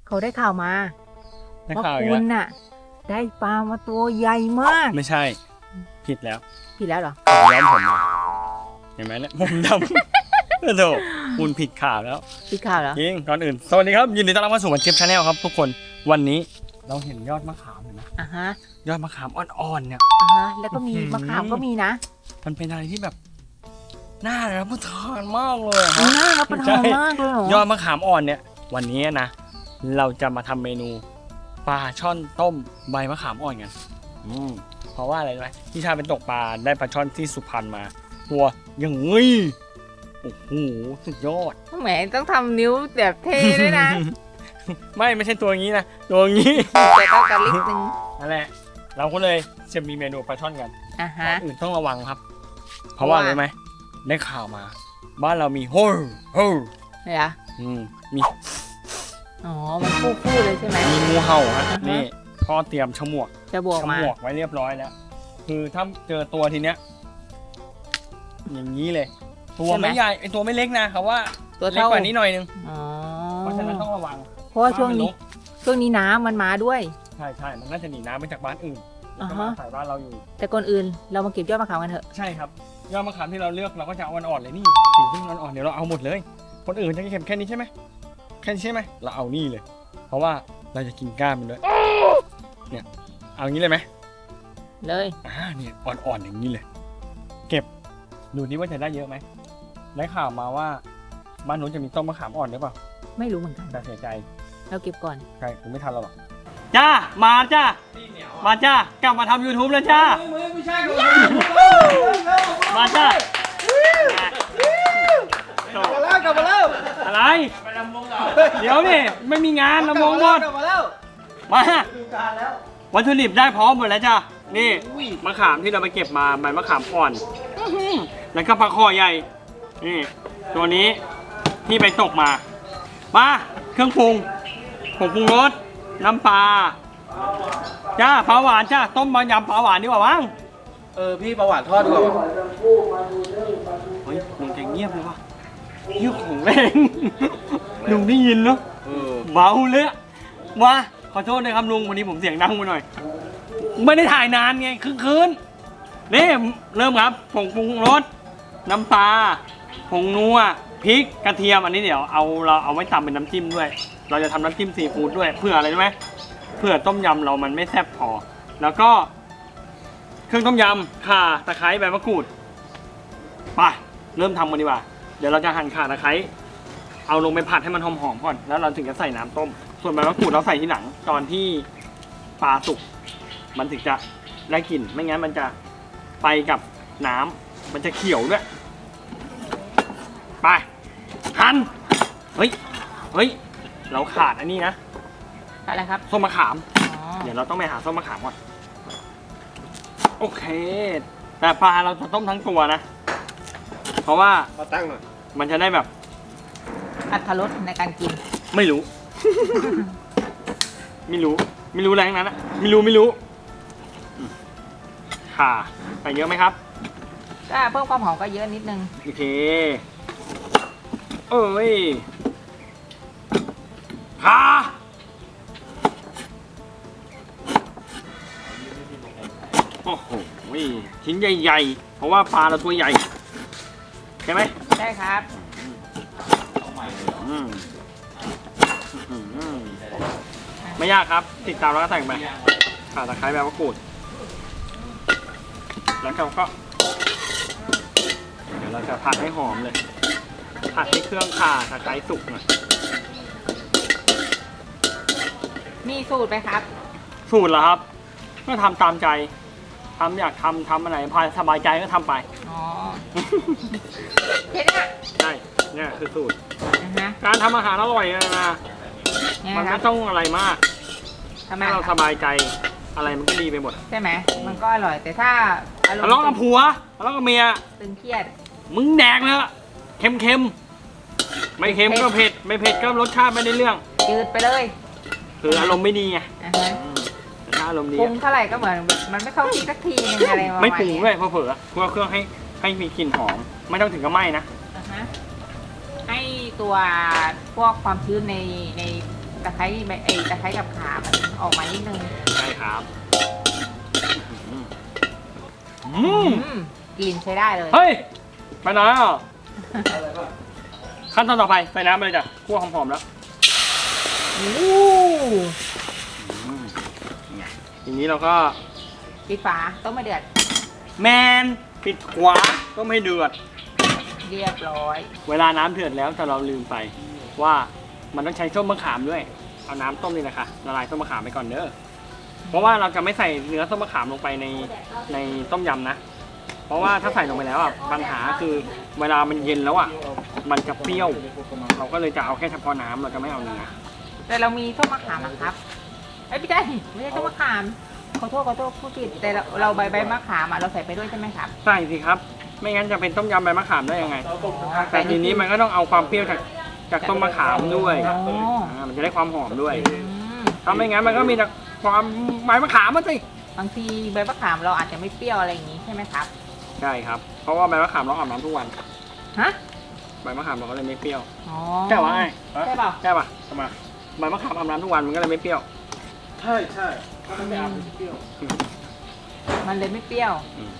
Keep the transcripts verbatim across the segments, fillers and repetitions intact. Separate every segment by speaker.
Speaker 1: เขาได้ข่าวมา
Speaker 2: ได้
Speaker 1: ว่า
Speaker 2: ข่าวอีก
Speaker 1: คุ
Speaker 2: แล้ว
Speaker 1: ณน่ะ ได้ปลามาตัวใหญ่มาก
Speaker 2: ไม่ใช่ผิดแล้ว
Speaker 1: ผิดแล้วเหรอ
Speaker 2: ผมย้อมผมมาเห็นไหมเนี่ยผมดำ โธ่คุณผิดข่าวแล้ว
Speaker 1: ผิดข่าวเหรอ
Speaker 2: จริงก่อนอื่นสวัสดีครับยินดีต้อนรับเข้าสู่วันเชฟชาแนลครับทุกคนวันนี้เราเห็นยอดมะขามเห็นไหม
Speaker 1: อ่ะฮะ
Speaker 2: ยอดมะขามอ่อนๆเนี่ย
Speaker 1: อ่ะฮะแล้วก็มี
Speaker 2: อื้อหือ
Speaker 1: มะขามก็มีนะ
Speaker 2: มันเป็นอะไรที่แบบน่ารับประทานมากเลยอะค
Speaker 1: มี
Speaker 2: รับ
Speaker 1: น่ารับประทานมากเลยเหรอย
Speaker 2: อดมะขามอ่อนเนี่ย วันนี้นะ เราจะมาทำเมนูปลาช่อนต้มใบมะขามอ่อนกันอืมเพราะว่าอะไรรู้ไหมที่ชาเป็นตกปลาได้ปลาช่อนที่สุพรรณมา ตัวอย่างงี้โอ้โหสุดยอด
Speaker 1: แหมต้องทำนิ้วแบบเท่ด้วยนะ
Speaker 2: ไม่ไม่ใช่ตัวอย่างนี้นะตัวอย่างนี้
Speaker 1: แต่ต้องการลิกนึง
Speaker 2: นั่นแหละเราก็เลยจะมีเมนูปลาช่อนกัน
Speaker 1: อ่ะ
Speaker 2: ก่
Speaker 1: ฮะ
Speaker 2: อนอื่นต้องระวังครับ เพราะว่า
Speaker 1: ว่า
Speaker 2: อะไรไหมได้ข่าวมา บ้านเรามีโฮลโฮล
Speaker 1: เนี่ยเหรอ
Speaker 2: อืมมี
Speaker 1: อ๋อมันฟู่ๆเลยใช่ไหม
Speaker 2: มีงูเห่าฮะ
Speaker 1: อ่าฮะ
Speaker 2: นี่พ่อเตรียมฉมวก
Speaker 1: จะบวก
Speaker 2: ฉ
Speaker 1: มาม
Speaker 2: วกไว้เรียบร้อยแล้ว คือถ้าเจอตัวทีเนี้ยอย่างนี้เลย ตัวไม่ใหญ่ไอตัวไม่เล็กนะเขาว่า
Speaker 1: ตัว
Speaker 2: เล็ก
Speaker 1: เท่าก
Speaker 2: ว่านี้หน่อยนึง
Speaker 1: อ๋อ
Speaker 2: เพราะฉะนั้นต้องระวัง
Speaker 1: เพราะว่าช่วงนี้
Speaker 2: บ้ามัรก
Speaker 1: ช่วงนี้น้ำมันมาด้วย
Speaker 2: ใช่ใช่มันน่าจะหนีน้ำมาจากบ้านอื่นแล้วก็
Speaker 1: อ่า
Speaker 2: มา
Speaker 1: ฮะ
Speaker 2: ใส่บ้านเราอยู่
Speaker 1: แต่ก่อนอื่นเรามาเก็บยอดมะขามกันเถอะ
Speaker 2: ใช่ครับยอดมะขามที่เราเลือกเราก็จะเอาอ่อนๆเลยนี่สิ่งที่มันอ่อนๆเดี๋ยวเราเอาหมดเลย คนอื่นจะเก็บแค่นี้ใช่ไหมแค่นี้ใช่ไหมเราเอานี่เลย เพราะว่าเราจะกินก้านมันด้วยเนี่ยเอางี้เลยไหม
Speaker 1: เลย
Speaker 2: อ่าเนี่ยอ่อนๆอย่างนี้เลย เก็บดูนี่ว่าจะได้เยอะไหมได้ข่าวมาว่าบ้านนู้นจะมีต้นมะขามอ่อนหรือเปล่า
Speaker 1: ไม่รู้เหมือนกัน
Speaker 2: แต่เสียใจ
Speaker 1: เราเก็บก่อน
Speaker 2: ใช่ผมไม่ทันเราหรอกจ้ามาจ้ามาจ้ากลับมาทำ YouTube แล้วจ้ามาจ้า
Speaker 3: กลับมาแล้วกลับมาแล้ว
Speaker 2: อะไรเดี๋ยวนี่ไม่มีงานลำวงหมด
Speaker 3: กลับมาแล้ว
Speaker 2: มา
Speaker 3: ดูการแล้ว
Speaker 2: วัตถุดิบได้พร้อมหมดแล้วจ้านี่มะขามที่เราไปเก็บมาใบมะขามอ่อนแล้วก็ปลาคอใหญ่นี่ตัวนี้ที่ไปตกมามาเครื่องปรุงผงปรุงรสน้ำปลาจ้าปลาหวานจ้าต้มบะยำปลาหวานดีกว่ามั้ง
Speaker 3: เออพี่ประวัติทอดดีกว่า
Speaker 2: เฮ้ยลุงแกเงียบเลยว่ะเงียบของแรงลุงได้ยินเนาะ
Speaker 3: เออ
Speaker 2: เบาเลยอะมาขอโทษนะครับลุงวันนี้ผมเสียงดังไปหน่อย ไม่ได้ถ่ายนานไงครึ่งคืนนี่เริ่มครับผงปรุงรสน้ำปลาผงนัวพริกกระเทียมอันนี้เดี๋ยวเอาเราเอาไว้ตำเป็นน้ำจิ้มด้วย เราจะทำน้ำจิ้มซีฟู้ดด้วยเพื่ออะไรรู้ไหมเพื่อต้มยำเรามันไม่แซ่บพอ แล้วก็ เครื่องต้มยำข่าตะไคร้ใบมะกรูดไปเริ่มทำกันดีกว่าเดี๋ยวเราจะหั่นข่าตะไคร้เอาลงไปผัดให้มันหอมๆก่อนแล้วเราถึงจะใส่น้ำต้ม ส่วนใบมะกรูดเราใส่ทีหลังตอนที่ปลาสุกมันถึงจะได้กลิ่นไม่งั้นมันจะไปกับน้ำมันจะเขียวด้วยไปหั่นเฮ้ยเฮ้ยเราขาดอันนี้นะ
Speaker 1: อะไรครับ
Speaker 2: ส้มมะขาม
Speaker 1: อ๋อ
Speaker 2: เดี๋ยวเราต้องไปหาส้มมะขามก่อนโอเค แต่ปลาเราจะต้มทั้งตัวนะ เพราะว่า
Speaker 3: มาตั้งหน่อย
Speaker 2: มันจะได้แบบ
Speaker 1: อัตรสในการกิน
Speaker 2: ไม่รู้ ไม่รู้ ไม่รู้อะไรทั้งนั้นอะไม่รู้ไม่รู้อืมค่ะใส่เยอะไหมครับ
Speaker 1: ก็เพิ่มความหอมก็เยอะนิดนึง
Speaker 2: โอเคเอ้ยค่ะโอ้โหชิ้นใหญ่ๆ เพราะว่าปลาเราตัวใหญ่ ใช่ไหม
Speaker 1: ใช่ครับ
Speaker 2: อืมอืมไม่ยากครับ ติดตามแล้วก็แต่งไปข่าตะไคร้ใบมะกรูด แล้วเราก็ เดี๋ยวเราจะผัดให้หอมเลย ผัดให้เครื่องข่าตะไคร้สุกหน่อย
Speaker 1: มีสูตรไหมครับ
Speaker 2: สูตรเหรอครับ ก็ทำตามใจทำอยากทำทำอะไรพอสบายใจก็ทำไป
Speaker 1: อ๋อเห็นอ่ะ
Speaker 2: ใช่เนี่ยคือสูตร
Speaker 1: นะฮะ
Speaker 2: การทำอาหารอร่อยนะ
Speaker 1: เนี่ย
Speaker 2: มัน
Speaker 1: ครั
Speaker 2: ไม่
Speaker 1: บ
Speaker 2: ต้องอะไรมาก
Speaker 1: ทำไม
Speaker 2: ถ้าเรา
Speaker 1: ค
Speaker 2: ส
Speaker 1: รับบ
Speaker 2: ายใจอะไรมันก็ดีไปหมด
Speaker 1: ใช่ไหมมันก็อร่อย แต่ถ้าอารม
Speaker 2: ทะเลาะกับ
Speaker 1: ณ์
Speaker 2: ผัวทะเลาะกับเมีย
Speaker 1: ตึงเครียด
Speaker 2: มึงแดกเลยอะเค็มเค็มๆไม่เค็มก็เผ็ด ไม่เผ็ดก็รสชาติไม่ได้เรื่อง
Speaker 1: จืดไปเลย
Speaker 2: คืออารมณ์ไม่ดีไง
Speaker 1: อ่ะฮะ
Speaker 2: แต่ถ้าอารมณ์ดี
Speaker 1: ปรุ
Speaker 2: อะ
Speaker 1: งเท่าไหร่ก็เหมือนมันไม่เข้าที่สักทีนึงอะไรประมาณ
Speaker 2: ไม่ปรุง
Speaker 1: นี้
Speaker 2: ด้วยเพราะเผลอๆคั่วเครื่องให้ให้มีกลิ่นหอม ไม่ต้องถึงกับไหม้นะ
Speaker 1: อ่ะฮะให้ตัวพวกความชื้นในในตะไคร้ใบไอ้ตะไคร้กับข่ามันออกมานิดนึง
Speaker 2: ใช่ครับอืม
Speaker 1: อืมกลิ่นใช้ได้เลย
Speaker 2: เฮ้ยไปไหนอ่ะขั้นตอนต่อไปใส่น้ำไปเลยจ้ะคั่วหอมๆแล้ว
Speaker 1: โอ้
Speaker 2: อืมไงทีนี้เราก็
Speaker 1: ปิดฝาต้มไม่เดือด
Speaker 2: แมนปิดขวาก็ไม่เดือด
Speaker 1: เรียบร้อย
Speaker 2: เวลาน้ำเดือดแล้วแต่เราลืมไปว่ามันต้องใช้ส้มมะขามด้วย เอาน้ำต้มนี่แหละค่ะละลายส้มมะขามไปก่อนเด้อ เพราะว่าเราจะไม่ใส่เนื้อส้มมะขามลงไปในในต้มยำนะ เพราะว่าถ้าใส่ลงไปแล้วอ่ะปัญหาคือเวลามันเย็นแล้วอ่ะมันจะเปรี้ยว เราก็เลยจะเอาแค่เฉพาะน้ำเราจะไม่เอาเนื้อ
Speaker 1: แต่เรามีส้มมะขามนะครับเอ้ยไม่ใช่ไม่ใช่ส้มมะขามขอโทษขอโทษพูดผิดแต่เราเราใบใบมะขามอ่ะเราใส่ไปด้วยใช่ไหมครับ
Speaker 2: ใส่สิครับ ไม่งั้นจะเป็นต้มยำใบมะขามได้ยังไง
Speaker 1: อ๋อ
Speaker 2: แต่ทีนี้มันก็ต้องเอาความเปรี้ยวจากจากต้มมะขามด้วย
Speaker 1: อ๋อ
Speaker 2: อ่ามันจะได้ความหอมด้วย
Speaker 1: อืม
Speaker 2: ถ้าไม่งั้นมันก็มีแต่ความใบมะขามมาสิ
Speaker 1: บางทีใบมะขามเราอาจจะไม่เปรี้ยวอะไรอย่างนี้ใช่ไหมครับ
Speaker 2: ใช่ครับ เพราะว่าใบมะขามเราอาบน้ำทุกวัน
Speaker 1: ฮะ
Speaker 2: ใบมะขามเราก็เลยไม่เปรี้ยว
Speaker 1: อ๋อ
Speaker 2: ใช่ปะไง
Speaker 1: ใช่เปล่า
Speaker 2: ใช่ปะทำไมใบมะขามอาบน้ำทุกวันมันก็เลยไม่เปรี้ยว
Speaker 3: ใช่ใช่ถ้ามันไม่อาบมันจะเปรี้ยว
Speaker 1: มันเลยไม่เปรี้ยว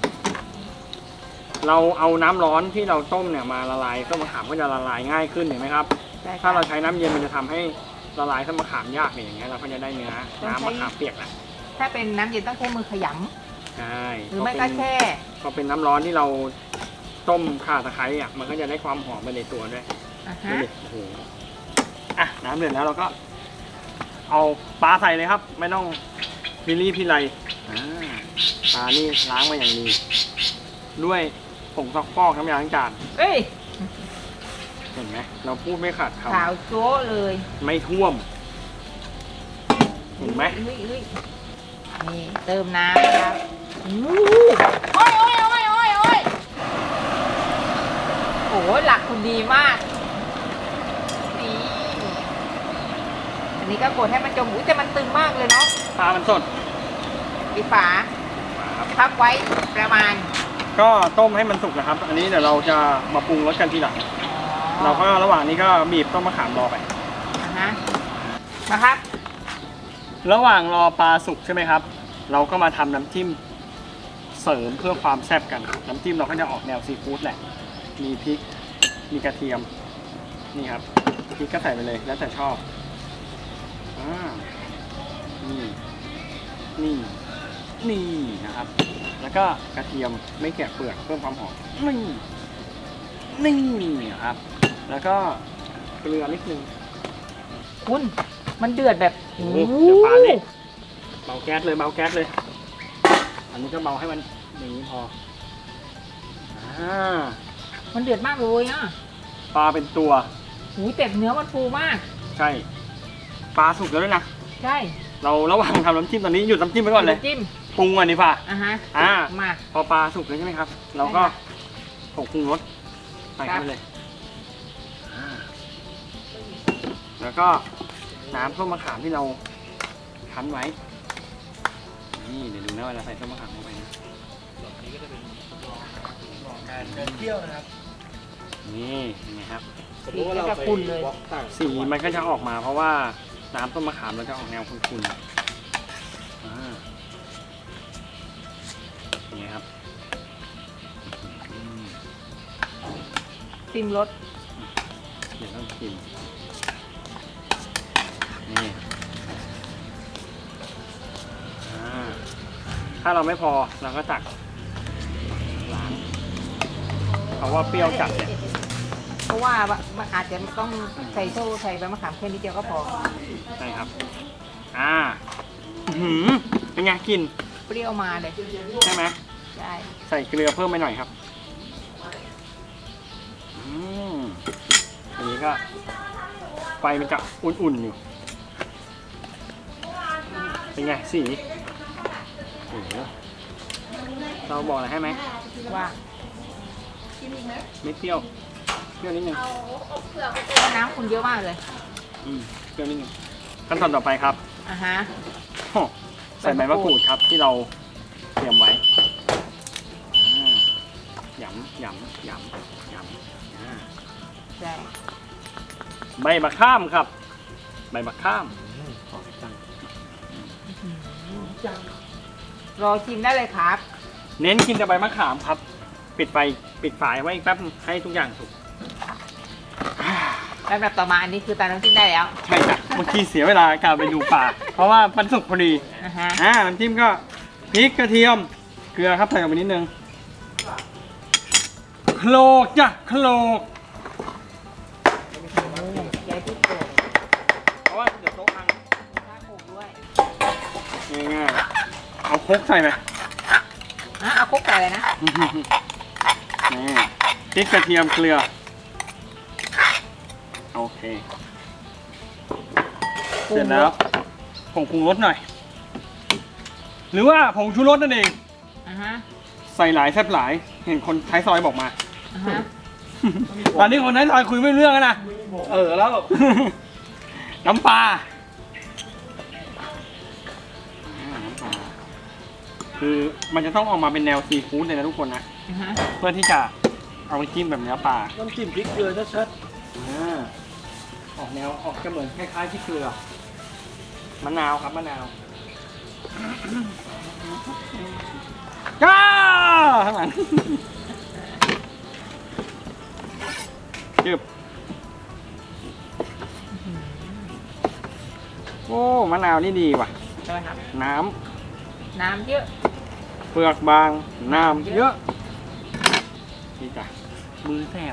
Speaker 2: เราเอาน้ำร้อนที่เราต้มเนี่ยมาละลายต้มมะขามก็จะละลายง่ายขึ้นเห็นไหมครับ
Speaker 1: ใช่ค
Speaker 2: ถ้า
Speaker 1: รับ
Speaker 2: เราใช้น้ำเย็นมันจะทำให้ละลายต้มมะขามยากเนี่ยอย่างเงี้ยเราก็จะได้เนื้อน้ำมะขามเปียกแหละ
Speaker 1: ถ้าเป็นน้ำเย็นต้องใช้มือขย
Speaker 2: ใช่
Speaker 1: ำหรือไม่ก็แช่
Speaker 2: พอเป็นน้ำร้อนที่เราต้มข่าตะไคร้อ่ะมันก็จะได้ความหอมไปในตัวด้วย
Speaker 1: อ่ะ
Speaker 2: ดู
Speaker 1: ฮะ
Speaker 2: ดิโอ้โหอ่ะน้ำเดือดแล้วเราก็ เอาปลาใส่เลยครับ ไม่ต้องพิลี่พิไลอ่าปลานี่ล้างมาอย่างดีด้วยผงซักฟอกน้ำยาล้างจาน
Speaker 1: เอ้ย
Speaker 2: เห็นไหมเราพูดไม่ขาดค
Speaker 1: ขาวโจ้เลย
Speaker 2: ำไม่ท่วม เห็นไหม
Speaker 1: เฮ้ยเฮ้ยนี่เติมน้ำนะครับอู้โอ้ยโอ้ยโอ้ยโอ้ยโอ้ยโอ้โหหลักคุณดีมากนี่อันนี้ก็กดให้มันจมอุ้ยแต่มันตึงมากเลยเนาะ
Speaker 2: ปลามันสด
Speaker 1: ปิดฝาพักไว้ประมาณ
Speaker 2: ก็ต้มให้มันสุกนะครับ อันนี้เดี๋ยวเราจะมาปรุงรสกันทีหลัง เราก็ระหว่างนี้ก็บีบต้มมะขามรอไป
Speaker 1: อ่าฮะนะครับ
Speaker 2: ระหว่างรอปลาสุกใช่ไหมครับ เราก็มาทำน้ำจิ้มเสริมเพื่อความแซ่บกัน น้ำจิ้มเราก็จะออกแนวซีฟู้ดแหละ มีพริก มีกระเทียม นี่ครับ พริกก็ใส่ไปเลยแล้วแต่ชอบอ่านี่ นี่ นี่นะครับ แล้วก็กระเทียมไม่แกะเปลือกเพิ่มความหอม นี่ นี่นะครับ แล้วก็เกลือนิดนึง
Speaker 1: คุณมันเดือดแบบ
Speaker 2: โอ้โหเดี๋ยวปลาเละเบาแก๊สเลยเบาแก๊สเลย อันนี้ก็เบาให้มันอย่างนี้พออ่า
Speaker 1: มันเดือดมากเลยอ่ะ
Speaker 2: ปลาเป็นตัว
Speaker 1: หูแต่เนื้อมันฟูมาก
Speaker 2: ใช่ ปลาสุกแล้วด้วยนะ
Speaker 1: ใช่
Speaker 2: เราระหว่างทำน้ำจิ้มตอนนี้หยุดน้ำจิ้มไปก่อนเลย
Speaker 1: จิ้ม
Speaker 2: ปรุงก่อนดีกว่า
Speaker 1: อ่ะฮะ
Speaker 2: อ่า
Speaker 1: มา
Speaker 2: พอปลาสุกแล้วใช่ไหมครับ เราก็
Speaker 1: ใช่ค่ะ
Speaker 2: ผงปรุงรสใส่
Speaker 1: ครั
Speaker 2: เข้า
Speaker 1: บ
Speaker 2: ไปเลยอ่าแล้วก็น้ำส้มมะขามที่เราคั้นไว้ นี่เดี๋ยวดูนะเวลาใส่ส้มมะขามลงไปนะ
Speaker 3: การเดินเที่ยวนะครับ
Speaker 2: นี่ยังไงครับ
Speaker 3: สมมติว่าเราไปวอล์กต่าง
Speaker 2: สีมันก็จะออกมาเพราะว่าน้ำต้มมะขามเราจะออกแนวขุ่นๆอ่าอย่างนี้ครับอืม
Speaker 1: ซิมรส
Speaker 2: เดี๋ยวต้องชิมนี่อ่าถ้าเราไม่พอเราก็ตักล้างเพราะว่าเปรี้ยวจัดเนี่ย
Speaker 1: เพราะว่ามันอาจจะต้องใส่โซ่ใส่ใบมะขามแค่นิดเดียวก็พอ
Speaker 2: ใช่ครับ อ่าอื้อหือเป็นไงกลิน
Speaker 1: เปรี้ยวมาเลย
Speaker 2: ใช่ไหม
Speaker 1: ใช่
Speaker 2: ใส่เกลือเพิ่มไปหน่อยครับ อืมอันนี้ก็ไฟมันจะอุ่นๆอยู่ เป็นไงสีโอ้โหเราบอกอะไรให้ไหม
Speaker 1: ว่า
Speaker 2: ไม่เปรี้ยว เปรี้ยวนิดนึง
Speaker 1: น้ำคุณเยอะมากเลย
Speaker 2: อืมเปรี้ยวนิดนึงขั้นตอนต่อไปครับ
Speaker 1: อ่ะฮะ
Speaker 2: โอ้ใส่ใบมะกรูดครับที่เราเตรียมไว้อ่าหยำหยำหยำหยำอ่า
Speaker 1: ใช่
Speaker 2: ใบมะข้ามครับใบมะข้าม
Speaker 3: หอมจัง
Speaker 1: รอชิมได้เลยครับ
Speaker 2: เน้นกินแต่ใบมะขามครับ ปิดไฟปิดฝายไว้อีกแป๊บนึงให้ทุกอย่างสุก
Speaker 1: ลำดับต่อมาอันนี้คือตาน้ำจิ้มได้แล้ว
Speaker 2: ใช่จ้ะเมื่อกี้เสียเวลาการไปดูปลาเพราะว่ามันสุกพอดี
Speaker 1: นะฮะ
Speaker 2: อ่าน้ำจิ้มก็พริกกระเทียมเกลือครับใส่ลงไปนิดนึงโคลกจ้ะโคลก
Speaker 1: ยายที่โกง
Speaker 2: เพราะว่าเดี๋ยวโต๊ะพัง
Speaker 1: ถ้าโกงด้วย
Speaker 2: ง่ายๆเอาครกใส่ไป
Speaker 1: อ่ะเอาคลุกใส่เลยนะ
Speaker 2: นี่พริกกระเทียมเกลือโอเคเสร็จแล้วผงปรุงรสหน่อย หรือว่าผงชูรสนั่นเอง
Speaker 1: อ่าฮะ
Speaker 2: ใส่หลายแซ่บหลายเห็นคนท้ายซอยบอกมา
Speaker 1: อ่าฮะ
Speaker 2: ตอนนี้คนท้ายซอยคุยไม่รู้เรื่องแล้วนะ
Speaker 3: เออแล้ว
Speaker 2: น้ำปลาน้ำปลาคือมันจะต้องออกมาเป็นแนวซีฟู้ดเลยนะทุกคนนะ
Speaker 1: อ่าฮะ
Speaker 2: เพื่อที่จะเอาไปจิ้มแบบเนื้อปลา
Speaker 3: น้ำจิ้มพริกเกลือชัด
Speaker 2: อ่าออกแนวออกจะเหมือนคล้ายๆที่เกลือมะนาวครับมะนาวก้าข้างหลังจึบโอ้มะนาวนี่ดีว่ะ
Speaker 1: ใช่ไหมครับ
Speaker 2: น้
Speaker 1: น้ำเยอะ
Speaker 2: ำเปลือกบาง น้ำเยอะนี่จ้ะมือแสบ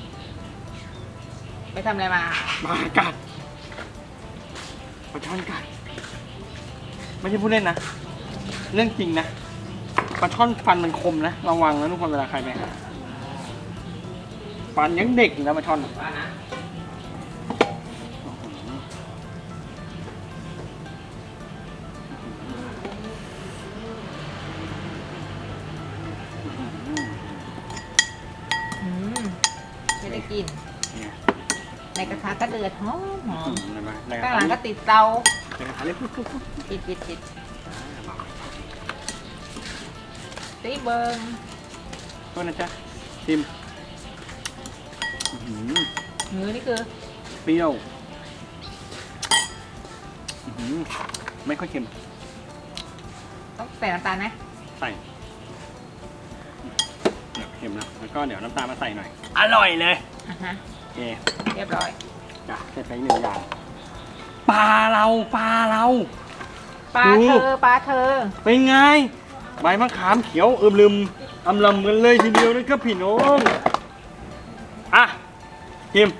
Speaker 1: ไปทำอะไรมา
Speaker 2: มากัดปลาช่อนกัด ไม่ใช่พูดเล่นนะ เรื่องจริงนะปลาช่อนฟันมันคมนะ ระวังนะทุกคนเวลาใครไปหาฟันยังเด็กอยู่นะปลาช่อน
Speaker 1: อืมไม่ได้กิน
Speaker 2: เนี่ย
Speaker 1: ในกระทะก็เดือดหอมหอม
Speaker 2: เห็นไหมในกระ
Speaker 1: ข้าง
Speaker 2: ทะ
Speaker 1: หลัง
Speaker 2: นี่
Speaker 1: ก็ติดเตา
Speaker 2: ในกระทะนี่ปุ๊บปุ๊บปุ๊บ
Speaker 1: ปิดปิดปิดตีเบิง
Speaker 2: โทษนะจ๊ะชิมอื้อหือ
Speaker 1: เนื้อนี่คือ
Speaker 2: เปรี้ยวอื้อหือไม่ค่อยเค็ม
Speaker 1: ต้องใส่น้ำตาลไหม
Speaker 2: ใส่เดี๋ยวเค็มแล้วแล้วก็เดี๋ยวน้ำตาลมาใส่หน่อย อร่อยเลย
Speaker 1: อ่ะฮะ
Speaker 2: โอเค
Speaker 1: เรียบร้อย
Speaker 2: จ้ะเสร็จไปอีกหนึ่งอย่างปลาเราปลาเรา
Speaker 1: ปลา
Speaker 2: ดู
Speaker 1: เธอปลาเธอ
Speaker 2: เป็นไงใบมะขามเขียวอึมลืมอำลำกันเลยทีเดียวนะครับพี่น้องอ่ะชิม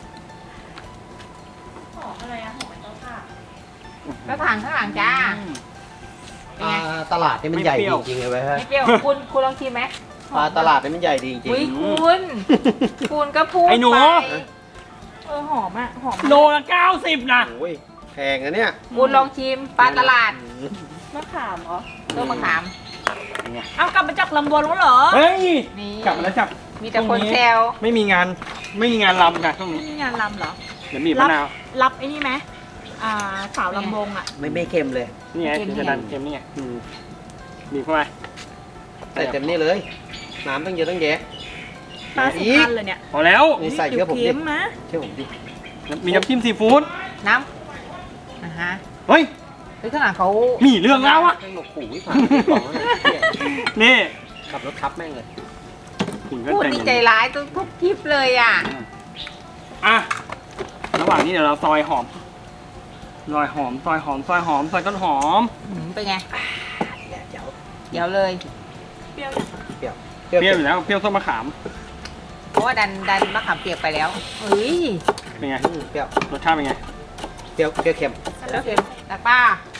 Speaker 1: แล้วถังข้างหลังจ้า
Speaker 3: ๆ
Speaker 1: เป็นไง
Speaker 3: ปลาตลาดนี่มันใหญ่จริงๆเลยเว้ยฮะ
Speaker 1: ไม่เปรี้ยวคุณคุณลองชิมไหม
Speaker 3: ปลาตลาดนี่มันใหญ่ดีจริง
Speaker 1: อุ้ยคุณคุณก็พูด
Speaker 2: ไอ้หนู
Speaker 1: ไปเออหอมอ่ะหอม
Speaker 2: โลละเก้าสิบนะ
Speaker 3: ๆโอ้ยแพงนะเนี่ย
Speaker 1: คุณลองชิมปลาตลาด
Speaker 4: มะขามเหรอ
Speaker 1: ต้นมะขาม
Speaker 2: เป็นไง
Speaker 4: เอากลับมาจากลำบวนแล้วเหรอ
Speaker 2: เฮ้ย
Speaker 1: นี่
Speaker 2: กลับมาแล้วจ้ะ
Speaker 1: มีแต่คนแซว
Speaker 2: ไม่มีงานไม่มีงานลำค่ะช่วงนี้
Speaker 4: นี่งานลำเหรอ
Speaker 2: เดี๋ยวมีมะนาว
Speaker 4: รับไอ้นี่ไหมอ่าสาวลำวงอ่ะ
Speaker 3: ไม่ไม่เค็มเลย
Speaker 2: นี่ไงถึงจะดันเค็มนี่ไงอืมบีบเข้าไป
Speaker 3: ใส่เต็มนี่เลย น้ำตั้งเยอะตั้งแยะ
Speaker 4: ปลาสุพรรณเลยเนี่ย
Speaker 2: พอแล้ว
Speaker 3: นี่ใส่เยอะผมดิ
Speaker 4: เค็มๆนะ
Speaker 3: เชื่อผมดิ
Speaker 2: มีน้ำจิ้มซีฟู้ด
Speaker 1: น้ำอ่ะฮะ
Speaker 2: เฮ้ย
Speaker 1: เฮ้ยข้างหลังเขา
Speaker 2: มีเรื่องแล้วอะ
Speaker 3: แม่งหนกขู่ที่ผ่านที่บอกว่าเนี่ย
Speaker 2: นี่
Speaker 3: ขับรถทับแม่งเลย
Speaker 2: คุณก็
Speaker 1: พูด
Speaker 2: ใจ
Speaker 1: นี่
Speaker 2: เย็น
Speaker 1: ใจร้ายทุกทุกคลิปเลยอ่ะ
Speaker 2: อ่ะระหว่างนี้เดี๋ยวเราซอยหอมซอยหอมซอยหอมซอยหอมซอยต้นหอม
Speaker 1: หืมเป็นไง
Speaker 3: เดี๋ยว
Speaker 1: เดี๋ยวเลย
Speaker 4: เปรี้ยว
Speaker 3: เปรี้ยว
Speaker 2: เปรี้ยวอยู่แล้วเปรี้ยวส้มมะขาม
Speaker 1: เพราะว่าดันดันมะขามเปียกไปแล้วเฮ้ย
Speaker 2: เป็นไง
Speaker 3: อืมเปรี้ยว
Speaker 2: รสชาติเป็นไง
Speaker 3: เปรี้ยวเปรี้ยวเค็ม
Speaker 1: แล้วเค็มตักป้า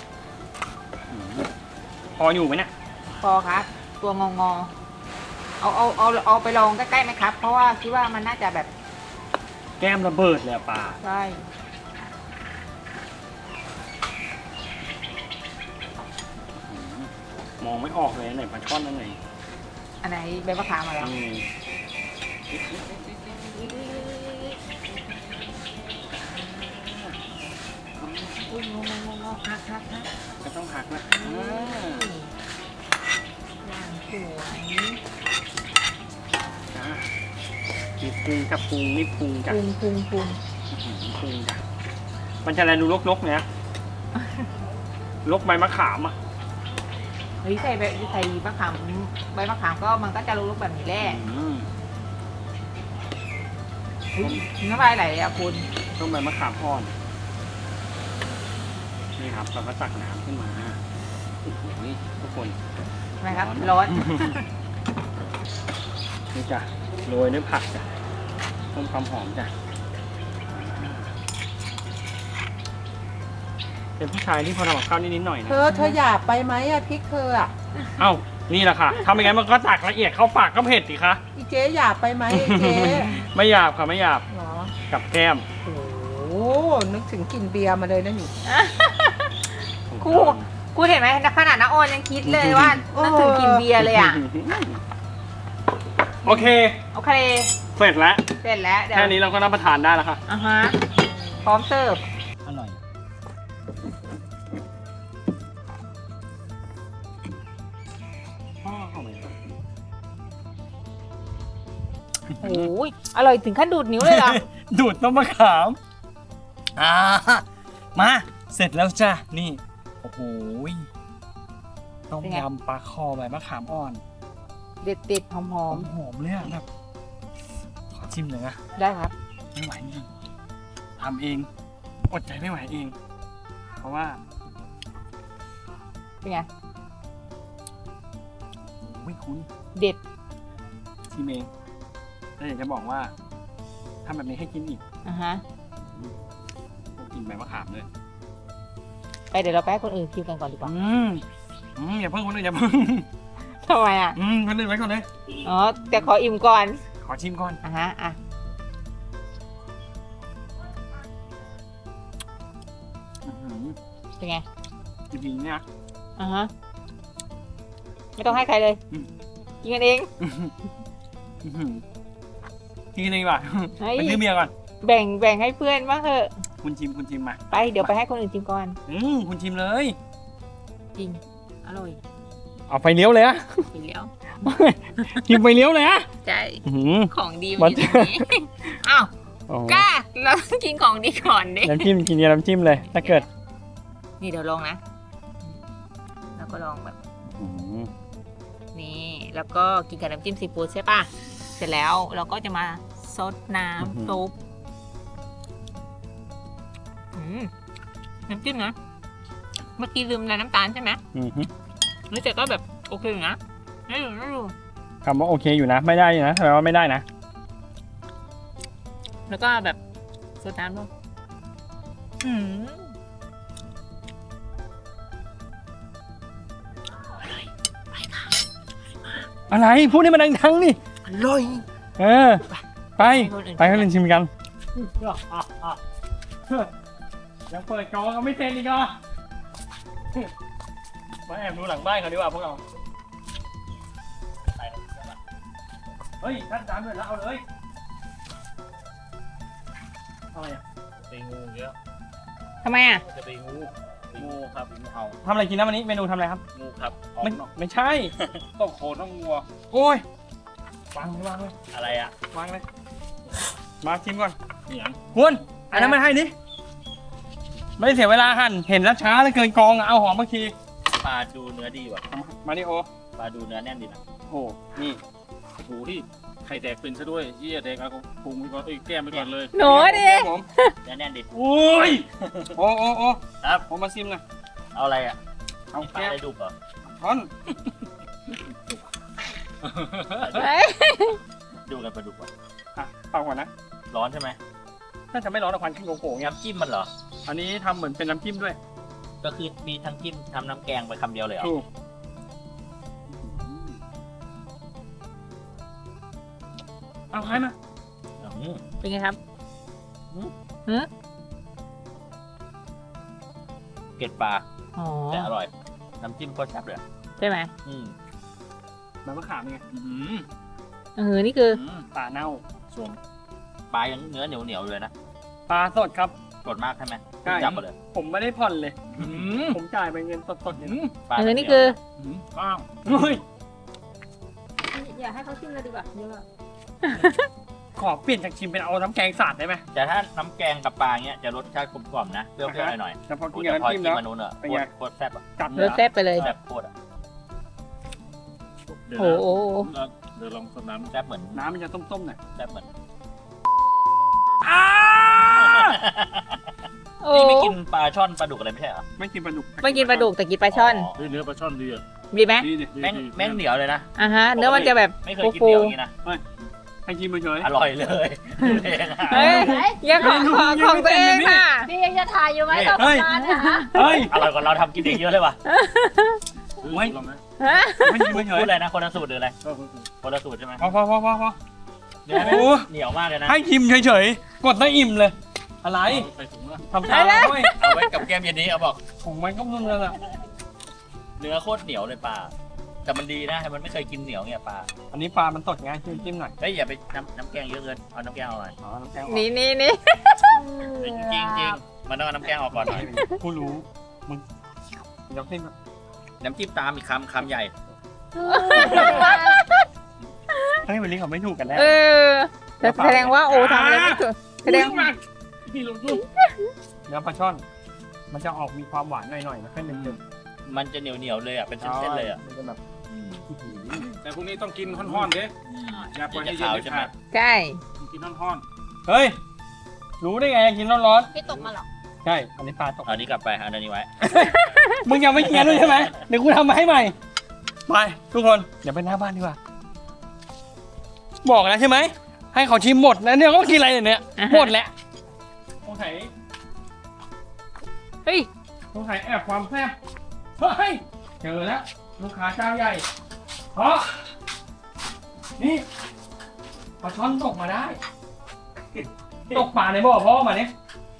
Speaker 2: พออยู่ไหมเนี่ย
Speaker 1: พอครับ ตัวงองอเอาเอาเอาเอาไปลองใกล้ๆไหมครับ เพราะว่าคิดว่ามันน่าจะแบบ
Speaker 2: แก้มระเบิดเลยอะปลา
Speaker 1: ใช่
Speaker 2: มองไม่ออกเลยอันไหนปลาช่อนอันไหน
Speaker 1: อันไหนใบมะขามมาแล้ว
Speaker 2: อืม
Speaker 1: อุ้ยงงงงงฮักฮักฮัก
Speaker 2: ก็ต้องหักนะ
Speaker 1: อย่างสวย
Speaker 2: อ่ามีพุงกับพุงนี่พุงจ้ะ
Speaker 1: พุงพุงพุง
Speaker 2: อื้อหือพุงจ้ะมันจะอะไรดูลกๆเนี้ยลกใบมะขามอ่ะ
Speaker 1: เฮ้ยใส่ใบใส่มะขามใบมะขามก็มันก็จะรู้ๆแบบนี้แหละ
Speaker 2: อืม
Speaker 1: อุ๊ยน้ำลายไหลอ่ะคุณ
Speaker 2: ต้องใบมะขามอ่อนนี่ครับเราก็ตักน้ำขึ้นมาโอ้โหทุกคน
Speaker 1: ทำไมครับ
Speaker 2: ร้
Speaker 1: ร้
Speaker 2: อ
Speaker 1: อน น
Speaker 2: นี่จ้ะโรยด้วยผักจ้ะเพิ่มความหอมจ้ะเป็นผู้ชายที่พอทำกับข้าวนิดๆหน่อยนะ
Speaker 5: เธอเธอหยาบไปไหมอะพริกเธออะ
Speaker 2: เอ้านี่แหละค่ะทำยังไงมันก็ตักละเอียดเข้าปากก็เผ็ดสิคะ
Speaker 5: อีเจ๊หยาบไปไหมไอ้เจ๊
Speaker 2: ไม่หยาบค่ะไม่หยาบ
Speaker 5: เหรอ
Speaker 2: กับแก้ม
Speaker 5: โอ้โหนึกถึงกลิ่นเบียร์มาเลยนะนี่
Speaker 1: ครูครูเห็นไหมขนาดน้าออนยังคิดเลยว่านึกถึงกินเบียร์เลยอ่ะ
Speaker 2: โอเค
Speaker 1: โอเค
Speaker 2: เสร็จแล้ว
Speaker 1: เสร็จแล้วเดี๋ยว
Speaker 2: แค่นี้เราก็รับประทานได้แล้วค่ะ
Speaker 1: อ่ะฮะพร้อมเสิร์ฟ
Speaker 2: อร่อยพ่อเข้าไป
Speaker 1: โอ้ยอร่อยถึงขั้นดูดนิ้วเลยเหรอ
Speaker 2: ดูดต้นมะขามอ่ามาเสร็จแล้วจ้ะนี่โอ้โหต้ม
Speaker 1: เป็นไง
Speaker 2: ยำปลาคอใบมะขามอ่อน
Speaker 1: เด็ดเด็ดหอมหอม
Speaker 2: หอมๆเลยอะแบบขอชิมหน่อยนะ
Speaker 1: ๆได้ครับ
Speaker 2: ไม่ไหวจริงทำเองอดใจไม่ไหวเอง เพราะว่า
Speaker 1: เป็นไง
Speaker 2: ไม่คุ้น
Speaker 1: เด็ด
Speaker 2: ชิมเองแล้วอยากจะบอกว่าทำแบบนี้ให้กินอีก
Speaker 1: อ่ะฮะ
Speaker 2: ต้องกินใบมะขามเลย
Speaker 1: ไปเดี๋ยวเราไปให้คนอื่นคิวกันก่อนดีกว่า
Speaker 2: อืมอืมอย่าเพิ่งคนอื่นอย่าเพิ่ง
Speaker 1: ทำไมอ่ะ
Speaker 2: อืมคนอื่นไว้ก่อนเลย
Speaker 1: อ๋อแต่ขออิ่มก่อน
Speaker 2: ขอชิมก่อน
Speaker 1: อ่ะฮะอ่ะ
Speaker 2: อื้อหือ
Speaker 1: เป็นไง
Speaker 2: จริงๆเนี่ย
Speaker 1: อ่ะฮะไม่ต้องให้ใครเลย
Speaker 2: อืม
Speaker 1: กินกันเอง
Speaker 2: อื้อหือกินกันเองดีกว่า
Speaker 1: เฮ้ย
Speaker 2: ไปซื้อเบียร์ก่อน
Speaker 1: แบ่งแบ่งให้เพื่อนบ้างเถอะ
Speaker 2: คุณชิมคุณชิมมา
Speaker 1: ไปเดี๋ยวไปให้คนอื่นชิมก่อน
Speaker 2: อืมคุณชิมเลย
Speaker 1: จริงอร่อย
Speaker 2: เอาไฟเลี้ยวเลยอะ
Speaker 1: กินแล้ว
Speaker 2: ชิมไฟเลี้ยวเลยอะ
Speaker 1: ใช่
Speaker 2: อื้อหือ
Speaker 1: ของดี
Speaker 2: มั
Speaker 1: มัน นอยู่ตรงนี้ อ้าว
Speaker 2: โอ้โห
Speaker 1: กล้าเราต้องกินของดีก่อนดิ
Speaker 2: น้ำจิ้มกินกับน้ำจิ้มเลย ถ้าเกิด
Speaker 1: นี่เดี๋ยวลองนะ แล้วก็ลองแบบ
Speaker 2: อื้อหือ
Speaker 1: นี่ แล้วก็กินกับน้ำจิ้มซีฟู้ดใช่ป่ะ เสร็จแล้วเราก็จะมาซดน้ำซุปอืมน้ำจิ้มนะ เมื่อกี้ลืมอะไรน้ำตาลใช่ไหม
Speaker 2: อื้อหือ
Speaker 1: นี่แต่ก็แบบโอเคอยู่นะน่าดูน่าดู
Speaker 2: คำว่าโอเคอยู่นะ ไม่ได้อยู่นะแปลว่าไม่ได้นะ
Speaker 1: แล้วก็แบบซดน้ำด้วยอืม
Speaker 2: อะไรพูดให้มันดังๆนี่
Speaker 3: อร่อย
Speaker 2: เออ ไป ไปให้คนชิมกันยังเปิดกองก็ไม่เซ็นอีกเหรอมาแอบดูหลังบ้านเขาดีกว่าพวกเราเฮ้ยท่านจานเลยแล้วเอาเลยอะไรอ่ะ
Speaker 6: ตีงูเยอะ
Speaker 1: ทำไมอ่ะ
Speaker 6: จะตีงูตีงูครับตีงูเห่า
Speaker 2: ทำอะไรกินนะวันนี้เมนูทำอะไรครับ
Speaker 6: งูครับออก
Speaker 2: ไม่
Speaker 6: นอก
Speaker 2: ไม่ใช่
Speaker 6: ต้องโคนต้องงัว
Speaker 2: โอ้ยวางเลยวางเลย
Speaker 6: อะไรอ่ะ
Speaker 2: วางเลย มาชิมก่อน
Speaker 6: เหนียง
Speaker 2: คุณอันนั้นไม่ให้ดิไม่ได้เสียเวลาหั่นเห็นแล้วช้าแล้วเกินกองอะเอาหอมบางที
Speaker 6: ปลาดูเนื้อดีว่ะ
Speaker 2: มาดิโอ
Speaker 6: ปลาดูเนื้อแน่นดีนะ
Speaker 2: โอ้นี่
Speaker 6: โอ้โหที่ไข่แตกเป็นซะด้วยเยี่ยแตกเอาพุงไปก่อนเอ้ยแก้มไปก่อนเลย
Speaker 1: หนูดิ
Speaker 2: ผม
Speaker 6: เนื้อแน่นดี
Speaker 2: โอ้ยโอ้โอ้โอ้
Speaker 6: ครับ
Speaker 2: ผมมาชิมหน่อย
Speaker 6: เอาอะไรอ่ะ
Speaker 2: เอา
Speaker 6: ปลา
Speaker 2: แก้ว
Speaker 6: ได้ดุกเหรอ
Speaker 2: ช้อน
Speaker 1: เฮ้ย
Speaker 6: ดูกันปลาดุกว่ะ
Speaker 2: อ่ะเป่าก่อนนะ
Speaker 6: ร้อนใช่ไหม
Speaker 2: น่าจะไม่ร้อนแต่ควันขึ้นโกโก้เงี้ย
Speaker 6: น้ำจิ้มมันเหรอ
Speaker 2: อันนี้ทำเหมือนเป็นน้ำจิ้มด้วย
Speaker 6: ก็คือมีทั้งจิ้มทำน้ำแกงไปคำเดียวเลยเหรอ
Speaker 2: ถูกเอาใครมา
Speaker 6: อืม
Speaker 1: เป็นไงครับ
Speaker 6: เกล็ดปลา
Speaker 1: อ๋อ
Speaker 6: แต่อร่อย น้ำจิ้มก็แซ่บเลย
Speaker 1: ใช่ไหม
Speaker 6: อืม
Speaker 2: ใบมะขามไง
Speaker 6: อืม
Speaker 1: เออนี่คือ
Speaker 6: อืม
Speaker 2: ปลาเน่า
Speaker 6: ส่วนปลายังเนื้อเหนียวเหนียวๆอยู่เลยนะ
Speaker 2: ปลาสดครับ
Speaker 6: สดมากใช่ไหม
Speaker 2: ใช่
Speaker 6: จับมาเลย
Speaker 2: ผมไม่ได้ผ่อนเลย
Speaker 6: อืม
Speaker 2: ผมจ่ายไปเงินสดๆเนี่ย
Speaker 6: อืมปลา
Speaker 1: เออนี่คือ
Speaker 6: อืมอ้าว
Speaker 2: เฮ้ย
Speaker 1: อย่าให้เขาชิมเลยดีกว่าเยอะ
Speaker 2: ขอเปลี่ยนจากชิมเป็นเอาน้ำแกงสาดได้ไหม
Speaker 7: แต่ถ้าน้ำแกงกับปลาเงี้ยจะรสชาติกลมกล่อมนะเปรี้ยวๆหน่อย
Speaker 2: แต่พอ
Speaker 7: ๆ
Speaker 2: กิ
Speaker 7: โอ้
Speaker 2: น
Speaker 7: แต่
Speaker 2: กับ
Speaker 7: พอ
Speaker 2: น้ำจิ้ม
Speaker 7: กิน
Speaker 2: แล้ว
Speaker 7: มานู้นอ่ะ
Speaker 2: เป็น
Speaker 7: โค
Speaker 2: ไง
Speaker 7: ตรโคตรแซ่บอ่ะ
Speaker 2: จัด
Speaker 1: ร
Speaker 2: เลย
Speaker 1: สแซ่บไปเลย
Speaker 7: แซ่บโคตรอ่ะ
Speaker 6: เดี๋ยว
Speaker 1: โอ้
Speaker 6: นะ
Speaker 1: โห
Speaker 6: เดี๋ยวลองสดน้ำ
Speaker 7: แซ่บเหมือน
Speaker 2: น้ำมันจะต้มๆหน่อย
Speaker 7: แซ่บเหมือน
Speaker 2: อ้า
Speaker 1: โอ้
Speaker 7: พี่ไม่กินปลาช่อนปลาดุกอะไรไม่ใช่เหรอ
Speaker 2: ไม่กินปลาดุก
Speaker 1: ไม่กินปลาดุกแต่กินปลาช่อน
Speaker 6: เฮ้ยเนื้อปลาช่อนดีอ่ะ
Speaker 1: ดีไหม
Speaker 2: ดีดิ
Speaker 6: ดี
Speaker 7: แม่ง
Speaker 6: ดี
Speaker 7: แม่งเหนียวเลยนะ
Speaker 1: อ่ะฮะ เนื้อมันจะแบบ
Speaker 7: ไม่เคยกิน
Speaker 1: ฟู
Speaker 7: เหนียวอย่างนี้นะ
Speaker 2: ให้ชิมเฉย
Speaker 7: อร่อยเลยเองอะ
Speaker 1: ๆเฮ้ยยังของของของตัวเองค่ะ
Speaker 4: พี่ยังจะถ่ายอยู่ไหมตอน
Speaker 2: เฮ้ย
Speaker 4: นานเนี่ยฮะ
Speaker 2: เฮ้ย
Speaker 7: อร่อยกว่าเราทำกินเองเยอะเลยว่ะ
Speaker 2: ไว้
Speaker 6: ลองไหม
Speaker 1: ฮะ
Speaker 2: ไม่ชิมเฉ
Speaker 7: พู
Speaker 2: ย
Speaker 7: ดอะไรนะคนละสูตรหรืออะไร
Speaker 6: ก็คือ
Speaker 7: คนละสูตรใช่ไหม
Speaker 2: พอพอพอพอพอ
Speaker 7: เนื้อแม่ง
Speaker 2: โอ้
Speaker 7: เหนียวมากเลยนะ
Speaker 2: ให้ชิมเฉยๆกดได้อิ่มเลย อะไร
Speaker 6: ใส่ถุงละ
Speaker 2: ทำตามด้วย
Speaker 7: เอาไว้กับแก้มเย็นนี้เอาบอก
Speaker 2: ของมันก็มึงแล้วล่ะ
Speaker 7: เนื้อโคตรเหนียวเลยปลาแต่มันดีนะมันไม่เคยกินเหนียวเนี่ยปลา
Speaker 2: อันนี้ปลามันสดไงจิ้มจิ้มหน่อย
Speaker 7: เฮ้ยอย่าไปน้ำน้ำแกงเยอะเกินเอาน้ำแกงออกหน่อย
Speaker 2: อ๋อน้ำแกงออก
Speaker 1: นี่นี่นี่
Speaker 7: จริงจริงจริงมันต้องเอาน้ำแกงออกก่อนหน่อย
Speaker 2: ผู้รู้มึงยกขึ้นมา
Speaker 7: น้ำจิ้มตามอีกคำคำใหญ่
Speaker 2: เฮ้ยวันนี้เขาไม่ถูกกันแล้ว
Speaker 1: เออแต่แสดงว่าโอ้ทำอะไรไม่ถูกแสดง
Speaker 6: พี่ลงดู
Speaker 2: เนื้อปลาช่อน มันจะออกมีความหวานหน่อยๆนะแค่หนึ่งเดียว
Speaker 7: มันจะเหนียวเหนียวๆเลยอ่ะเป็นเส้นๆเลยอ่ะ
Speaker 2: มันจะแบบ
Speaker 6: แต่พวกนี้ต้องกินห้อนๆเด้อย่าปล่อยให้เย็นเด็ดขาด
Speaker 1: ใช่
Speaker 6: ต้องกินห้อน
Speaker 2: เฮ้ย รู้ได้ไงกินร้อน
Speaker 4: พี่ตกมาเหรอ
Speaker 2: ๆใช่ อันนี้ปลาตก
Speaker 7: เอาอันนี้กลับไปเอาอันนี้ไว้
Speaker 2: มึงยังไม่เคี้ยวด้วยใช่ไหมเดี๋ยวกูทำมาให้ใหม่ ไปทุกคนเดี๋ยวไปหน้าบ้านดีกว่า บอกแล้วใช่ไหม ให้เขาชิมหมดแล้วเนี่ยก็กินอะไรเนี่ย หมดแล้วสงสัย
Speaker 1: เฮ้ย
Speaker 2: สงสัยแอบความแซ่บเฮ้ยเจอแล้วลูกค้าเจ้าใหญ่เพราะนี่ปลาช่อนตกมาได้ ตกป่าในบ่อพ่อมาเนี่ย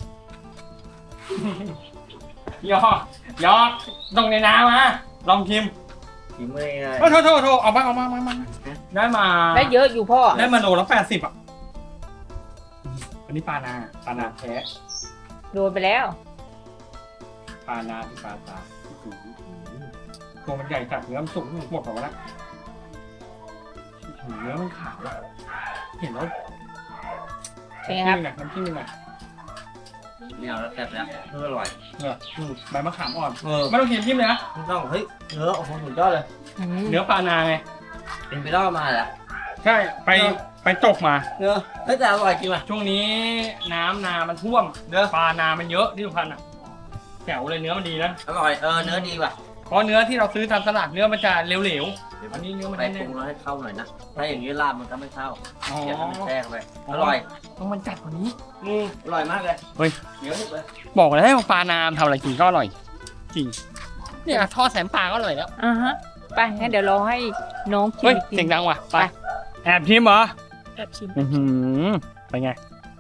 Speaker 2: หยอกหยอกตกในน้ำมาลองชิม
Speaker 3: กินไม่ง่าย
Speaker 2: โอ้โทษโทษโทษเอามาเอามาเอามาได้มา
Speaker 1: ได้เยอะอยู่พ่อ
Speaker 2: ได้มาโลละแปดสิบอ่ะ อันนี้ปลานาปลานาแท้
Speaker 1: โดนไปแล้ว
Speaker 2: ปลานาที่ปลาตาตัวมันใหญ่จัดเนื้อมันสุกหมดหมดแล้วเนื้อมันขาวอะเห็นแล้ว
Speaker 1: เป็นไงครับ
Speaker 2: น้ำจิ้มยังไง
Speaker 3: ไม่เอาแล้วแซ่บแล้วอร่อย
Speaker 2: เนี่ยใบมะขามอ่อน
Speaker 3: เออ
Speaker 2: ไม่ต้องกินจิ้มเลยนะ
Speaker 3: ไม่ต้องเฮ้ยเนื้อโอ้โหสุดยอดเลย
Speaker 1: อืม
Speaker 2: เนื้อปลานาไง
Speaker 3: เป็นไปได้มาแล้ว
Speaker 2: ใช่ ไปไปตกมา
Speaker 3: เนื้อเฮ้ยแต่อร่อยจริงว่ะ
Speaker 2: ช่วงนี้น้ำนามันท่วม
Speaker 3: เนื้อ
Speaker 2: ปลานามันเยอะที่สุพรรณอ่ะแจ๋วเลยเนื้อมันดีนะ
Speaker 3: อร่อยเออเนื้อดีว่ะ
Speaker 2: เพราะเนื้อที่เราซื้อตามตลาดเนื้อมันจะเหลวๆ อันนี้เนื้อมัน
Speaker 3: ไป
Speaker 2: แน่
Speaker 3: ปรุงแล้วให้เข้าหน่อยนะถ้าอย่างนี้ลาบมันก็ไม่เข้า
Speaker 2: ๆอ๋อ
Speaker 3: อยากให้มันแทรกไปอร่อย
Speaker 2: ต้องมันจัดกว่านี้
Speaker 3: อืมอร่อยมากเลย
Speaker 2: เฮ้ย
Speaker 3: เหนียวนิดเลย
Speaker 2: บอกแล้วว่าปลานามทำอะไรกินก็อร่อย จริง เนี่ยทอดแสมปลาก็อร่อยแล้ว
Speaker 1: อ่าฮะ ไปงั้นเดี๋ยวเราให้น้องชิ
Speaker 2: เฮ้
Speaker 1: ม
Speaker 2: ย
Speaker 1: กิ
Speaker 2: เสียง
Speaker 1: น
Speaker 2: ดังว่ะ ไป
Speaker 1: ไป
Speaker 2: แอบชิมเหรอ
Speaker 4: แบบชิม
Speaker 2: อือหือไปไง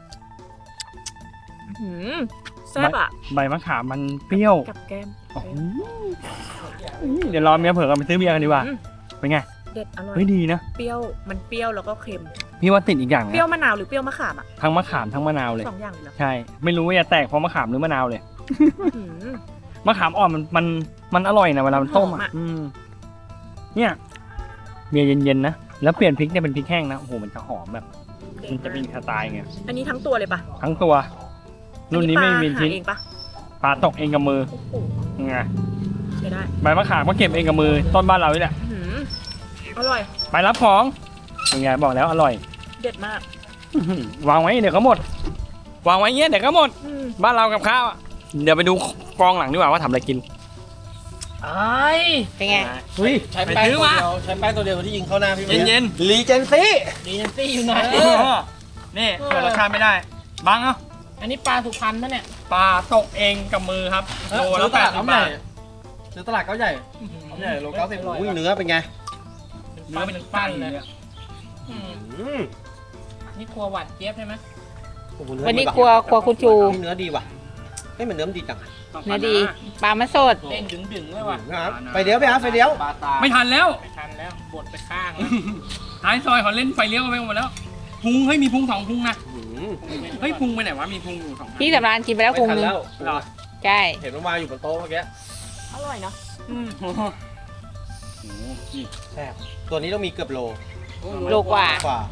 Speaker 4: หืมแซ่บอ่ะ
Speaker 2: ใบมะขามมันเปรี้ยว
Speaker 4: กับแก้ม
Speaker 2: อ๋อเดี๋ยวรอเมียเผื่อกันไปซื้อเบียร์กันดีกว่า
Speaker 4: อืม
Speaker 2: เป็นไง
Speaker 4: เด็ดอร่อย
Speaker 2: เฮ้ยดีนะ
Speaker 4: เปรี้ยวมันเปรี้ยวแล้วก็เค็ม
Speaker 2: พี่ว่าติดอีกอย่าง
Speaker 4: เปรี้ยว
Speaker 2: นะ
Speaker 4: มะนาวหรือเปรี้ยวมะขามอ่ะ
Speaker 2: ทั้งมะขามทั้งมะนาวเลย
Speaker 4: สองอย่างเลยเหรอ
Speaker 2: ใช่ ไม่รู้ว่าจะแตกเพราะมะขามหรือมะนาวเลย
Speaker 4: หืม
Speaker 2: มะขามอ่อนมันมันมันอร่อยนะเวลามันต้ม
Speaker 4: หอม
Speaker 2: อ่ะ
Speaker 4: อะ
Speaker 2: อืมเนี่ยเบียร์เย็นๆนะ แล้วเปลี่ยนพริกเนี่ยเป็นพริกแห้งนะ โอ้โห มันจะหอมแบบ มันจะมีสไตล์ไง
Speaker 4: อันนี้ทั้งตัวเลยปะ
Speaker 2: ทั้งตัว รุ่นนี้ไม่มี
Speaker 4: อัปลา
Speaker 2: ชิ้น
Speaker 4: หาเองปะ
Speaker 2: ปลาตกเองกับมือ
Speaker 4: โอ้โห
Speaker 2: ไง
Speaker 4: ใช้ได้
Speaker 2: ใบมะขามก็เก็บเองกับมือ ต้นบ้านเรานี่แหละ
Speaker 4: หืมอร่อย
Speaker 2: ไปรับของเป็นไงบอกแล้วอร่อย
Speaker 4: เด็ดมาก
Speaker 2: อื้อหือวางไว้เดี๋ยวก็หมด วางไว้เงี้ยเดี๋ยวก็หมด
Speaker 4: อืม
Speaker 2: บ้านเรากับข้าวอะเดี๋ยวไปดูกองหลังดีกว่าว่าทำอะไรกิน
Speaker 3: ไอ้
Speaker 1: เป็นไง
Speaker 2: เฮ้ย
Speaker 3: ใช้แป้งตัวเดียวใช้แป้งตัวเดียวที่ยิงเข้าหน้าพี่
Speaker 2: เย็น
Speaker 3: รีเจนซี่
Speaker 7: ดีนันตี้อยู่ไหน
Speaker 2: ๆเออนี่เผื่อรสชาติไม่ได้บังเอ้า
Speaker 7: อันนี้ปลาสุพรรณนะเนี่ย
Speaker 2: ปลาตกเองกับมือครับโลละแปดสิบบาท
Speaker 3: ซื้อตลาดเขาใหญ่เขาใหญ่โลเก้าสิบอุ้ยเนื้อเป็นไง
Speaker 2: เนื้อเป็นปั้นเลยอะ
Speaker 3: อืม
Speaker 7: นี่ครัวหวานเจี๊ยบใช่ไหม
Speaker 3: โอ้โหเนื้อ
Speaker 1: วันนี้
Speaker 3: ดีะ
Speaker 1: ครัวครัวคุณจู
Speaker 3: นี่เนื้อดีว่ะเฮ้ยมันเนื้อมันดีจัง
Speaker 1: เนื้อดี ปลามันสด
Speaker 7: เด้งดึงดึงๆเลยว่ะ
Speaker 3: นะครับไปเดี๋ยวไปหาไฟเดี๋ยว
Speaker 2: ไม่ทันแล้ว
Speaker 7: ไม่ทันแล้วบดไปข้างแล้ว
Speaker 2: ท้ายซอยเขาเล่นไฟเลี้ยวไปหมดแล้วพุงเฮ้ยมีพุงสองพุงนะ
Speaker 3: อืม
Speaker 2: เฮ้ยพุงไปไหนวะมีพุงอยู่สองอัน
Speaker 1: พี่สำรานกินไปแล้ว
Speaker 3: ไม่
Speaker 1: พุง
Speaker 3: ทัน
Speaker 1: นึง
Speaker 3: แล้ว
Speaker 2: เหรอ
Speaker 1: ใช่
Speaker 3: เห็นมันวางอยู่บนโต๊ะเมื่อกี้
Speaker 4: อร่อยเนาะ
Speaker 2: อืมโอ้โหนี่
Speaker 3: แซ่บตัวนี้ต้องมีเกือบโล
Speaker 1: โลกว่า
Speaker 3: กว่า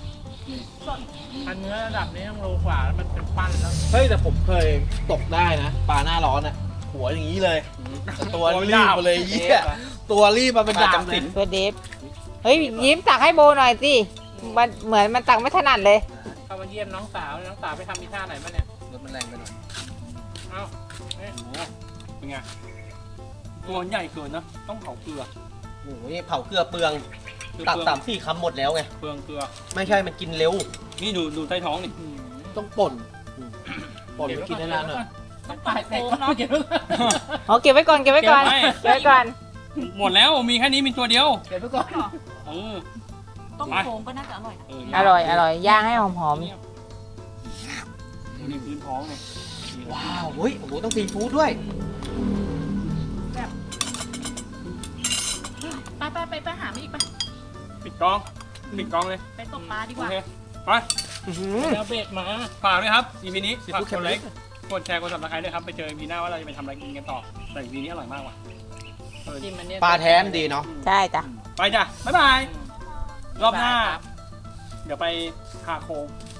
Speaker 6: อันเนื้อระดับนี้ต้องโลกว่าแล้วมันเป็นปั้นแล้ว
Speaker 3: เฮ้ยแต่ผมเคยตกได้นะปลาหน้าร้อนอ่ะหัวอย่างนี้เลยแต่ตัวรีบมาเลยเยี่ยตัวรีบมาเป็นดาบเลย
Speaker 1: ตัวเดฟเฮ้ยยิ้มตักให้โบหน่อยสิมันเหมือนมันตักไม่ถนัดเลย
Speaker 6: เข้ามาเยี่ยมน้องสาวน้องสาวไปทำมีท่าไหนมาเนี่ย
Speaker 3: รถมันแรงไปหน่อย
Speaker 6: เอ้าเอ๊ะ
Speaker 2: โอ้โหเป็นไงตัวใหญ่เกินนะต้องเผาเกลือ
Speaker 3: โอ้ยเผาเกลือเปลือง
Speaker 2: คือ
Speaker 3: ตัก
Speaker 2: เปลือง
Speaker 3: สามสี่คำหมดแล้วไง
Speaker 2: เปลืองเกลือ
Speaker 3: ไม่ใช่มันกินเร็ว
Speaker 2: นี่ดูดูใต้ท้องนี่
Speaker 3: ต้องป่นป่นไปกินได้นานหน่อย
Speaker 6: ต้องตายแตกเนาะเก็บไว้ก่อน
Speaker 1: อ๋อเก็บไว้ก่อนเก็บไว้ก่อนเก็บไว้ก่อน
Speaker 2: หมดแล้วมีแค่นี้มีตัวเดียว
Speaker 6: เก็บไว้ก่อน
Speaker 2: เออ
Speaker 4: ต้มโค้งก็น่าจะอร่อยนะ
Speaker 2: เออ
Speaker 1: อร่อยอร่อยย่างให้หอม
Speaker 2: ดูนี่พื้นท้องเลย
Speaker 3: ว้าวเฮ้ยโอ้โหต้องซีฟู้ดด้วย
Speaker 4: ไปไปไปไปหามาอีกไป
Speaker 2: ปิดกล้องปิดกล้องเลย
Speaker 4: ไปตกปลาดีก
Speaker 2: โอ
Speaker 4: ว่า
Speaker 2: เคไป
Speaker 6: แล้วเบรกมา
Speaker 2: ฝากด้วยครับ อีพีนี้
Speaker 3: ซี
Speaker 2: ฝาก
Speaker 3: ฟู้ด
Speaker 2: กดไล
Speaker 3: แคมป์
Speaker 2: ค์กดแชร์กดซับสไครต์ด้วยครับไปเจออีพีหน้าว่าเราจะไปทำอะไรกินกันต่อแต่อีพีนี้อร่อยมากว่ะเออ
Speaker 6: จิ้มอันเนี้ย
Speaker 3: ปลาแท้มดีเนาะ
Speaker 1: ๆใช่จ้ะ
Speaker 2: ไปจ้ะบ๊ายบายรอบหน้า เดี๋ยวไปคาโคง